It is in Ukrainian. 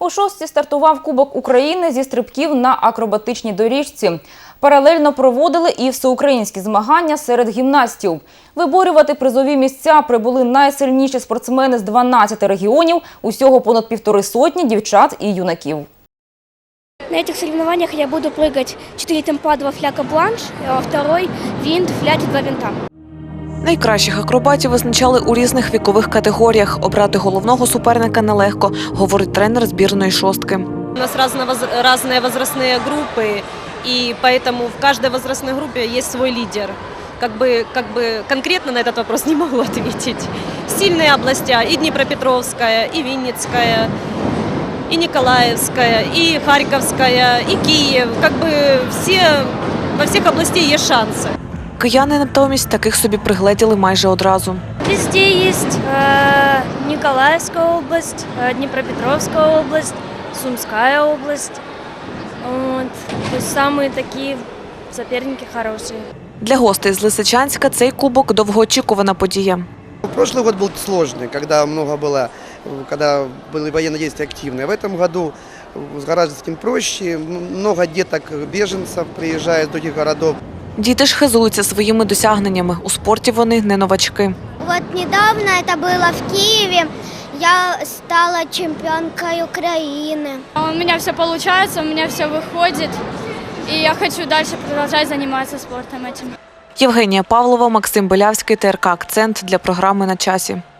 О 6-й стартував Кубок України зі стрибків на акробатичній доріжці. Паралельно проводили і всеукраїнські змагання серед гімнастів. Виборювати призові місця прибули найсильніші спортсмени з 12 регіонів, усього понад 150 дівчат і юнаків. На этих соревнованиях я буду прыгать 4 темпа, 2 фляка бланш, а второй винт, фляч, 2 винта. Найкращих акробатів визначали у різних вікових категоріях. Обрати головного суперника нелегко, говорить тренер збірної шостки. У нас разные возрастные группы, и поэтому в каждой возрастной группе есть свой лидер. Как бы конкретно на этот вопрос не могу ответить. Сильные области и Днепропетровская, и Винницкая, и Николаевская, и Харьковская, и Киев. Во всех областей есть шансы. Кияни натомість таких собі пригледіли майже одразу. Везде есть Николаевская область, Днепропетровская область, Сумская область. Вот. То есть самые такие соперники хорошие. Для гостей з Лисичанська цей кубок – довгоочікувана подія. Прошлый год был сложный, когда были военные действия активные. В этом году с Гаражинским проще, много деток, беженцев приезжает с других городов. Діти ж хизуються своїми досягненнями. У спорті вони не новачки. Вот недавно это было в Киеве. Я стала чемпионкой Украины. У меня все получается, у меня все выходит. И я хочу дальше продолжать заниматься спортом этим. Євгенія Павлова, Максим Белявський, ТРК «Акцент» для програми «На часі».